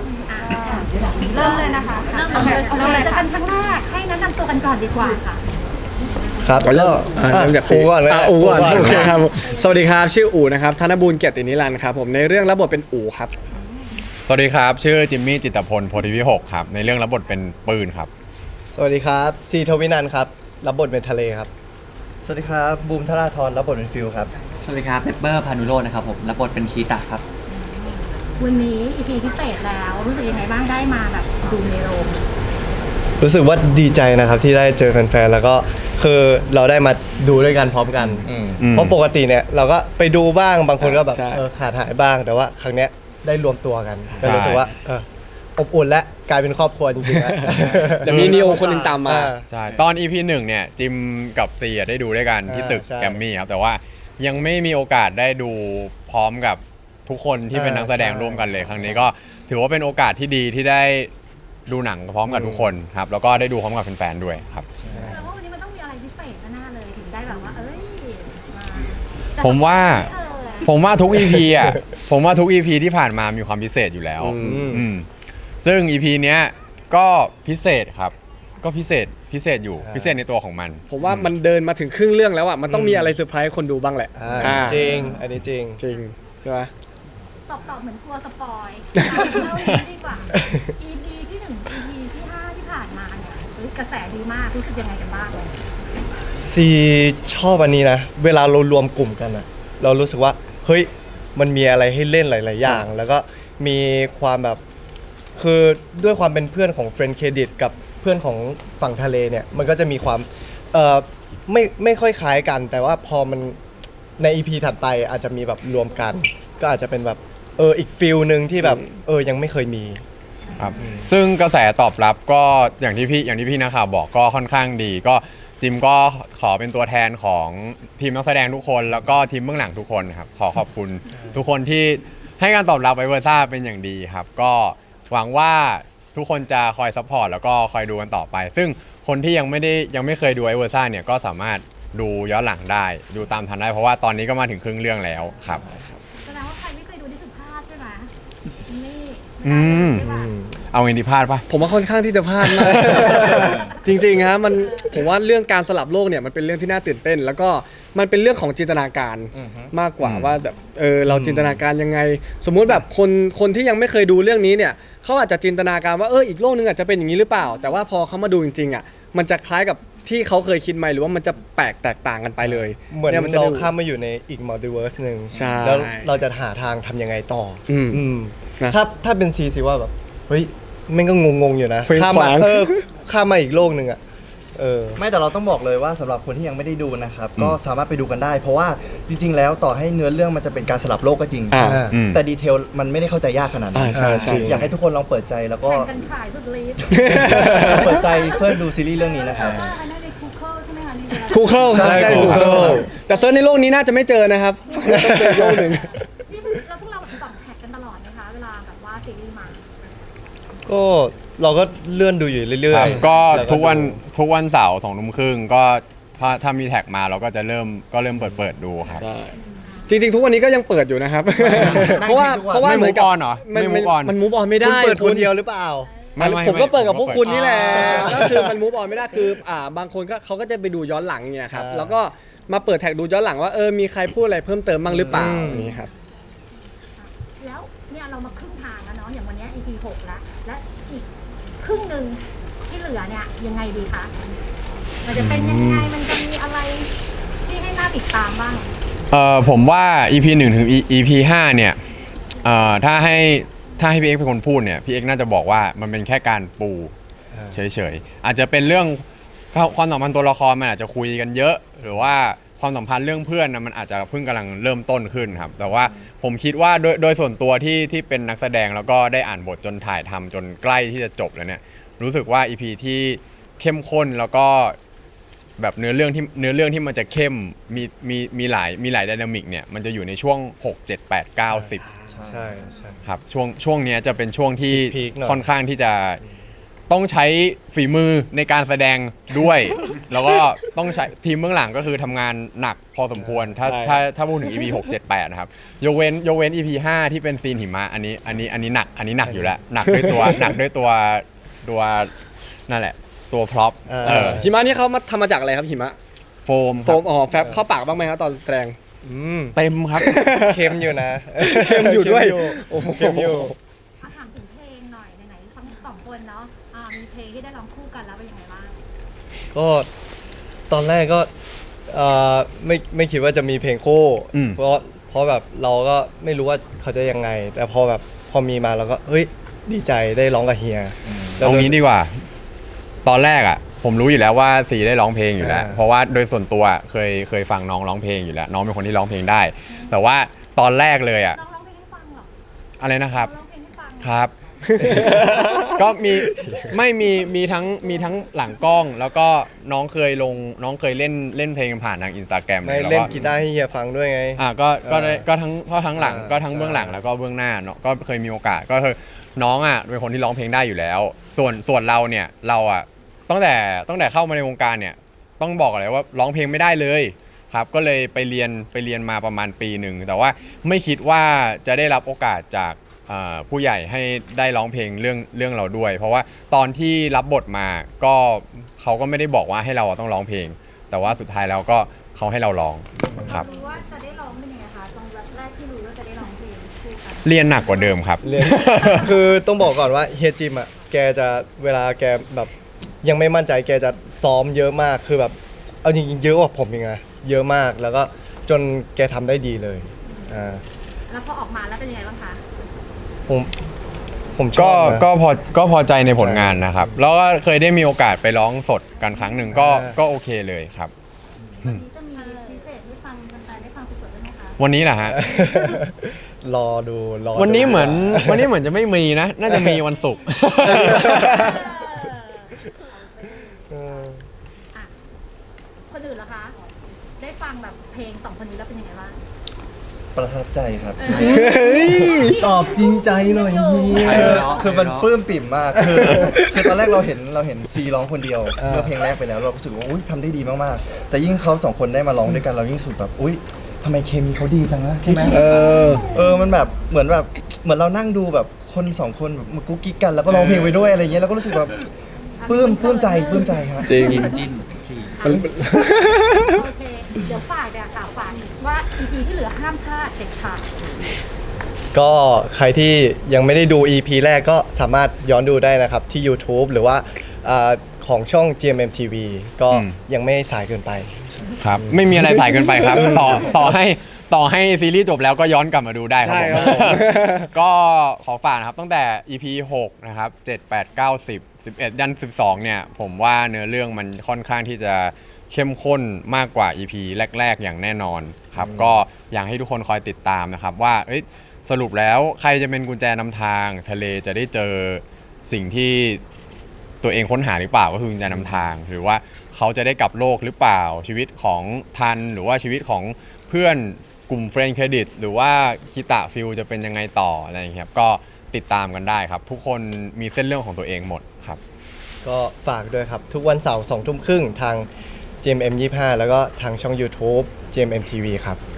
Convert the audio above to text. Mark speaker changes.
Speaker 1: เริ่มเลยนะคะเริ่มเลยจะเป็นครั้งแรกให้แนะนำตัวกันก่อนดีกว่าค่ะ
Speaker 2: ครับก็
Speaker 3: เริ่มจาก
Speaker 2: อูก่อนเลย
Speaker 3: อูก่อนโอเคครับสวัสดีครับชื่ออูนะครับธนบูรณ์เกียรตินิรันดร์ครับผมในเรื่องรับบทเป็นอูครับ
Speaker 4: สวัสดีครับชื่อจิมมี่จิตรพลโพธิวิหกครับในเรื่องรับบทเป็นปืนครับ
Speaker 2: สวัสดีครับซีทวินันท์ครับรับบทเป็นทะเลครับ
Speaker 5: สวัสดีครับบูมธราธรรับบทเป็นฟิลครับ
Speaker 6: สวัสดีครับเปปเปอร์พานุโรจน์นะครับผมรับบทเป็นคีตะครับ
Speaker 1: วันนี้ EP พิเศษแล้วรู้สึกยังไงบ้างได้มาแบบดูในโรง
Speaker 2: รู้สึกว่าดีใจนะครับที่ได้เจอแฟนๆแล้วก็คือเราได้มาดูด้วยกันพร้อมกันเพราะปกติเนี่ยเราก็ไปดูบ้างบางคนก็แบบขาดหายบ้างแต่ว่าครั้งเนี้ยได้รวมตัวกันก็รู้สึกว่าอบอุ่นและกลายเป็นครอบครัวจริงๆนะ
Speaker 3: เดี๋ยวมีนิโอคนหนึ่งตามมา
Speaker 4: ใช่ตอน EP 1เนี่ยจิมกับตีได้ดูด้วยกันที่ตึกแกรมมี่ครับแต่ว่ายังไม่มีโอกาสได้ดูพร้อมกับทุกคนที่เป็นนักแสดงร่วมกันเลยครั้งนี้ก็ถือว่าเป็นโอกาสที่ดีที่ได้ดูหนังพร้อมกับทุกคนครับแล้วก็ได้ดูพร้อมกับแฟนๆด้วยครับ
Speaker 1: แต่ว่าวันนี้มันต้องมีอะไรพิเศษแน่ๆเลยถึงได้แบบว่า
Speaker 4: ผมว่าทุก EP อ่ะผมว่าทุก EP ที่ผ่านมามีความพิเศษอยู่แล้วซึ่ง EP เนี้ยก็พิเศษครับก็พิเศษอยู่พิเศษในตัวของมัน
Speaker 3: ผมว่ามันเดินมาถึงครึ่งเรื่องแล้วอ่ะมันต้องมีอะไรเซอร์ไพรส์คนดูบ้างแหละ
Speaker 2: จริงอันนี้จริง
Speaker 3: ใช่ไหม
Speaker 1: ตอบเหมือนกลัวสปอยเราดีกว่า EP ที่1 EP ที่5ที่ผ่านมาเนี่ยกระแสดีมากรู้สึกยังไงกันบ้าง
Speaker 2: ซีชอบอันนี้นะเวลาเรารวมกลุ่มกันอะเรารู้สึกว่าเฮ้ยมันมีอะไรให้เล่นหลายๆอย่างแล้วก็มีความแบบคือด้วยความเป็นเพื่อนของเฟรนด์เครดิตกับเพื่อนของฝั่งทะเลเนี่ยมันก็จะมีความไม่ค่อยคล้ายกันแต่ว่าพอมันใน EP ถัดไปอาจจะมีแบบรวมกันก็อาจจะเป็นแบบอีกฟิลนึงที่แบบยังไม่เคยมี
Speaker 4: ครับซึ่งกระแสตอบรับก็อย่างที่พี่นักข่าวบอกก็ค่อนข้างดีก็จิมก็ขอเป็นตัวแทนของทีมนักแสดงทุกคนแล้วก็ทีมเบื้องหลังทุกคนครับขอขอบคุณทุกคนที่ให้การตอบรับไวเวอร์ซ่าเป็นอย่างดีครับก็หวังว่าทุกคนจะคอยซัพพอร์ตแล้วก็คอยดูกันต่อไปซึ่งคนที่ยังไม่เคยดูไวเวอร์ซ่าเนี่ยก็สามารถดูย้อนหลังได้ดูตามทันได้เพราะว่าตอนนี้ก็มาถึงครึ่งเรื่องแล้วครับ
Speaker 1: แสดงว่าใครไม่เคยดูนี่คือพลาดใช่ไหม
Speaker 4: เอาเงินที่พลาดปะ
Speaker 3: ผมว่าค่อนข้างที่จะพลาดมากจริงๆฮะผมว่าเรื่องการสลับโลกเนี่ยมันเป็นเรื่องที่น่าตื่นเต้นแล้วก็มันเป็นเรื่องของจินตนาการมากกว่าว่าแบบเราจินตนาการยังไงสมมุติแบบคนที่ยังไม่เคยดูเรื่องนี้เนี่ยเขาอาจจะจินตนาการว่าอีกโลกนึงอาจจะเป็นอย่างนี้หรือเปล่าแต่ว่าพอเขามาดูจริงๆอ่ะมันจะคล้ายกับที่เขาเคยคิดไหมหรือว่ามันจะแแตกต่างกันไปเลย
Speaker 2: เหมือนเราข้ามมาอยู่ในอีกมัลติเวิร์สนึงแล้วเราจะหาทางทำยังไงต่อถ้าเป็นซีว่าแบบเฮ้ยมันก็งงๆอยู่นะข้ามมาอีกโลกนึงอ่ะ
Speaker 5: ไม่แต่เราต้องบอกเลยว่าสำหรับคนที่ยังไม่ได้ดูนะครับก็สามารถไปดูกันได้เพราะว่าจริงๆแล้วต่อให้เนื้อเรื่องมันจะเป็นการสลับโลกก็จริงแต่ดีเทลมันไม่ได้เข้าใจยากขนาดนั้นอยากให้ทุกคนลองเปิดใจแล้วก็
Speaker 1: ขายสุดฤทธิ์
Speaker 5: เปิดใจเพื่อดูซีรีส์เรื่องนี้นะครับ
Speaker 3: คูเคิลใช่คูเคิลแต่เซิร์ชในโลกนี้น่าจะไม่เจอนะครับต้องเป็นโลกหนึ่ง
Speaker 1: แล้วพวกเราส่องแท็กกันตลอดไหมคะเวลาแบบว่าซีรีส์มา
Speaker 2: ก็เราก็เลื่อนดูอยู่เรื่อย
Speaker 4: ๆก็ทุกวันเสาร์2 ทุ่มครึ่งก็ถ้ามีแท็กมาเราก็จะเริ่มเปิดดูครับ
Speaker 3: จริงๆทุกวันนี้ก็ยังเปิดอยู่นะครับเพราะว่า
Speaker 4: เหมือนกับ
Speaker 3: มันมูฟออนไม่ได้
Speaker 2: เปิดคนเดียวหรือเปล่า
Speaker 3: ผมก็เปิดกับพวกคุณนี่แหละก็คือมันมูฟออนไม่ได้คือบางคนก็เขาก็จะไปดูย้อนหลังเนี่ยครับแล้วก็มาเปิดแท็กดูย้อนหลังว่ามีใครพูดอะไรเพิ่มเติมบ้างหรือเปล่านี่ครับ
Speaker 1: แล้วเนี่ยเรามาครึ่งทางแล้วเนาะอย่างวันนี้ EP 6แล้วและอีกครึ่งนึงที่เหลือเนี่ยยังไงดีคะมันจะเป็นยังไงมันจะมีอะไรที่ให้น่าติดตามบ้าง
Speaker 4: ผมว่า EP 1 ถึง EP 5เนี่ยถ้าให้พี่เอ็กเป็นคนพูดเนี่ยพี่เอ็กน่าจะบอกว่ามันเป็นแค่การปูเฉยๆอาจจะเป็นเรื่องความสัมพันธ์ตัวละครมันอาจจะคุยกันเยอะหรือว่าความสัมพันธ์เรื่องเพื่อนนะมันอาจจะเพิ่งกำลังเริ่มต้นขึ้นครับแต่ว่าผมคิดว่าโดยส่วนตัวที่เป็นนักแสดงแล้วก็ได้อ่านบทจนถ่ายทำจนใกล้ที่จะจบแล้วเนี่ยรู้สึกว่า EP ที่เข้มข้นแล้วก็แบบเนื้อเรื่องที่มันจะเข้มมีหลายไดนามิกเนี่ยมันจะอยู่ในช่วง6 7 8 9 10
Speaker 2: ใช่
Speaker 4: ครับช่วงนี้จะเป็นช่วงที่ค่อนข้างที่จะต้องใช้ฝีมือในการแสดงด้วยแล้วก็ต้องใช้ทีมเบื้องหลังก็คือทำงานหนักพอสมควรถ้า
Speaker 3: ใช่
Speaker 4: ถ้าพูดถึง EP 6 7 8นะครับยกเว้น EP 5ที่เป็นซีนหิมะอันนี้หนักอยู่แล้วหนักด้วยตัวหนักด้วยตัวนั่นแหละตัวพร็อพ
Speaker 3: หิมะนี่เขามาทำมาจากอะไรครับหิมะ
Speaker 4: โฟม
Speaker 3: โฟมแฟบเข้าปากบ้างไหมครับตอนแสดง
Speaker 4: เต็มครับ
Speaker 2: เค็มอยู่นะ
Speaker 3: เค็มอยู่ด้วย
Speaker 2: โอ้โหเค็มอยู่
Speaker 1: ถามถึงเพลงหน่อยไหนๆทั้งสองคนเนาะมีเพลงที่ได้ร้องคู่กันแล้วเป็นยังไงบ้าง
Speaker 2: ก็ตอนแรกก็ไม่คิดว่าจะมีเพลงคู่
Speaker 4: อืม
Speaker 2: เพราะแบบเราก็ไม่รู้ว่าเขาจะยังไง แต่พอมีมาเราก็เฮ้ยดีใจได้ร้องกับเฮีย
Speaker 4: ตรงนี้ดีกว่า ตอนแรกอ่ะ ผมรู้อยู่แล้วว่าซีได้ร้องเพลงอยู่แล้ว เพราะว่าโดยส่วนตัวเคยฟังน้องร้องเพลงอยู่แล้ว น้องเป็นคนที่ร้องเพลงได้ แต่ว่าตอนแรกเลยอ่ะ
Speaker 1: น้องร้องเพลงให้ฟังเหรอ
Speaker 4: อะไรนะครับ
Speaker 1: น้องร้องเพลงให้ฟัง
Speaker 4: ครับ ก็มีทั้งหลังกล้อง แล้วก็น้องเคยเล่นเพลงผ่านทาง Instagram
Speaker 2: ไม่
Speaker 4: แล้ว
Speaker 2: เล่น
Speaker 4: ก็
Speaker 2: กีตาร์ให้เฮียฟังด้วยไง
Speaker 4: ก็ทั้งหลัง
Speaker 2: อ่า
Speaker 4: ก็ทั้งเบื้องหลัง
Speaker 2: ใช่
Speaker 4: แล้วก็เบื้องหน้าเนาะก็เคยมีโอกาสก็คือน้องอ่ะเป็นคนที่ร้องเพลงได้อยู่แล้ว ส่วนเราเนี่ยเราอ่ะตั้งแต่เข้ามาในวงการเนี่ยต้องบอกเลยว่าร้องเพลงไม่ได้เลยครับก็เลยไปเรียนมาประมาณปีหนึ่งแต่ว่าไม่คิดว่าจะได้รับโอกาสจากผู้ใหญ่ให้ได้ร้องเพลงเรื่องเราด้วย เพราะว่าตอนที่รับบทมาก็เขาก็ไม่ได้บอกว่าให้เราต้องร้องเพลง แต่ว่าสุดท้ายแล้วก็เขาให้เราร้องครับ
Speaker 1: รู้ว่าจะได้ร้องเป็นยังไงคะตรงแรกที่รู้ว่าจะได้ร้องเพลงคู่กัน
Speaker 4: เรียนหนักกว่าเดิมครับ
Speaker 2: เรียน คือต้องบอกก่อนว่าเฮียจิมอ่ะแกจะเวลาแกแบบยังไม่มั่นใจแกจะซ้อมเยอะมากคือแบบเอาจริงๆเยอะกว่าผมอีกนะเยอะมากแล้วก็จนแกทำได้ดีเลย
Speaker 1: แล้วพอออกมาแล้วเป็นยังไงบ้างคะ
Speaker 2: ผมชอบนะ
Speaker 4: ก็พอใจในผลงานนะครับ แล้วก็เคยได้มีโอกาสไปร้องสดกันครั้งหนึ่งก็โอเคเลยครับ
Speaker 1: วันนี้จะมีพิเศษให้ฟังแฟนๆได้ฟังสดๆได้ไหมคะ
Speaker 4: วันนี้แหละฮะ
Speaker 2: รอดู
Speaker 4: วันนี้เหมือนจะไม่มีนะ น่าจะมีวันศุกร์
Speaker 1: อ่ะคนอื่นล่ะคะ ได้ฟังแบบเพลงสองคนนี้แล้วเป็นยังไงบ้าง
Speaker 5: ประทับใจครับ
Speaker 2: ตอบจริงใจหน่อยเฮีย
Speaker 5: คือมันปลื้มปิ่มมากคือตอนแรกเราเห็นซีร้องคนเดียวเมื่อเพลงแรกไปแล้วเรารู้สึกว่าอุ้ยทำได้ดีมากๆแต่ยิ่งเขาสองคนได้มาร้องด้วยกันเรายิ่งรู้สึกแบบอุ้ยทำไมเคมีเขาดีจังนะใช่ไหมมันแบบเหมือนเรานั่งดูแบบคนสองคนแบบมากุ๊กกิ๊กกันแล้วก็ร้องเพลงไปด้วยอะไรเงี้ยเราก็รู้สึกแบบปลื้มใจครับ
Speaker 3: จริง
Speaker 6: จิ้นสี่
Speaker 1: โอเค เดี๋ยวฝากเนี่ยค่ะฝากว่า EP ที่เหลือห้ามพลาดเด็ดขาด
Speaker 2: ก็ใครที่ยังไม่ได้ดู EP แรกก็สามารถย้อนดูได้นะครับที่ YouTube หรือว่าของช่อง GMM TV ก็ยังไม่สายเกินไป
Speaker 4: ครับ ไม่มีอะไรสายเกินไปครับ ต่อให้ซีรีส์จบแล้วก็ย้อนกลับมาดูได้ครับ
Speaker 3: ใช่
Speaker 4: ผม
Speaker 3: ครับผม
Speaker 4: ก็ขอฝากนะครับตั้งแต่ EP 6 นะครับ 7 8 9 10 11 ยัน 12 เนี่ย ผมว่าเนื้อเรื่องมันค่อนข้างที่จะเข้มข้นมากกว่า EP แรก ๆ อย่างแน่นอนครับ ก็อยากให้ทุกคนคอยติดตามนะครับว่าสรุปแล้วใครจะเป็นกุญแจนำทางทะเลจะได้เจอสิ่งที่ตัวเองค้นหาหรือเปล่าก็คือกุญแจนำทาง หรือว่าเขาจะได้กลับโลกหรือเปล่าชีวิตของทันหรือว่าชีวิตของเพื่อนกลุ่มเฟรนด์เครดิตหรือว่าคิตะฟิลจะเป็นยังไงต่ออะไรอย่างเงี้ยครับก็ติดตามกันได้ครับ ทุกคนมีเส้นเรื่องของตัวเองหมดครับ
Speaker 2: ก็ฝากด้วยครับ ทุกวันเสาร์2 ทุ่มครึ่งทาง GMM 25 แล้วก็ทางช่อง YouTube GMM TV ครับ